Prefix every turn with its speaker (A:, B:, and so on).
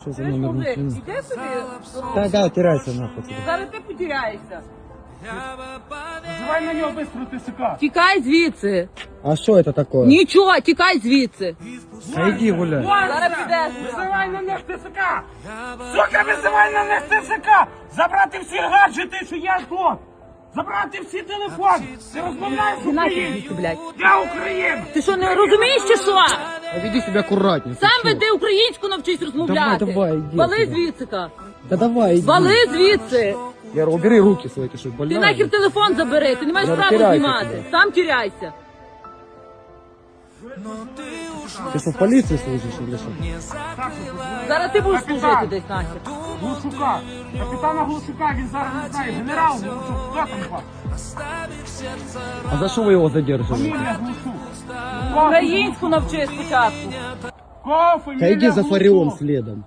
A: Що за
B: Чуєш,
A: номер
B: мужик,
A: машини?
B: іди собі.
A: Да, теряйся нахуй тебе.
B: Зараз ти потеряєшся.
C: Вызывай на него быстро ТСК.
B: Тікай звідси.
A: А що це таке?
B: Нічого, тікай звідси.
A: А иди гуляй.
B: Зараз підеш.
C: Вызывай на них ТСК. Сука, вызывай на них ТСК. Забрати всі гаджети, що я тут. Забрати всі телефони. Ти розмовляєш з
B: Ти нахер
C: Україною.
B: звідси, блядь.
C: Я Україна.
B: Ти що, не розумієш чи що?
A: А веди себя аккуратнее.
B: Сам веди українську навчись розмовляти.
A: Давай, іди
B: Вали
A: сюди.
B: звідси-ка.
A: Да давай, иди.
B: Вали звідси.
A: Яра, убери руки свои, ты что,
B: Ти
A: больная?
B: нахер телефон забери, ти не маєш
A: Я
B: права
A: розтираюся
B: знімати.
A: тебе.
B: Сам тіряйся.
A: Ты что, в полиции служишь или что?
B: Зараз ти будеш
C: Капітан.
B: служити десь нахер.
C: Глушука. Капітана Глушука, він зараз не знає. Генерал Глушук. Хто там вас?
A: А за что вы его задерживаете?
C: Фамілія Глушук.
B: Українську навчи спочатку.
C: Кого фамілія
A: Да иди за
C: Глушук?
A: Фарион следом.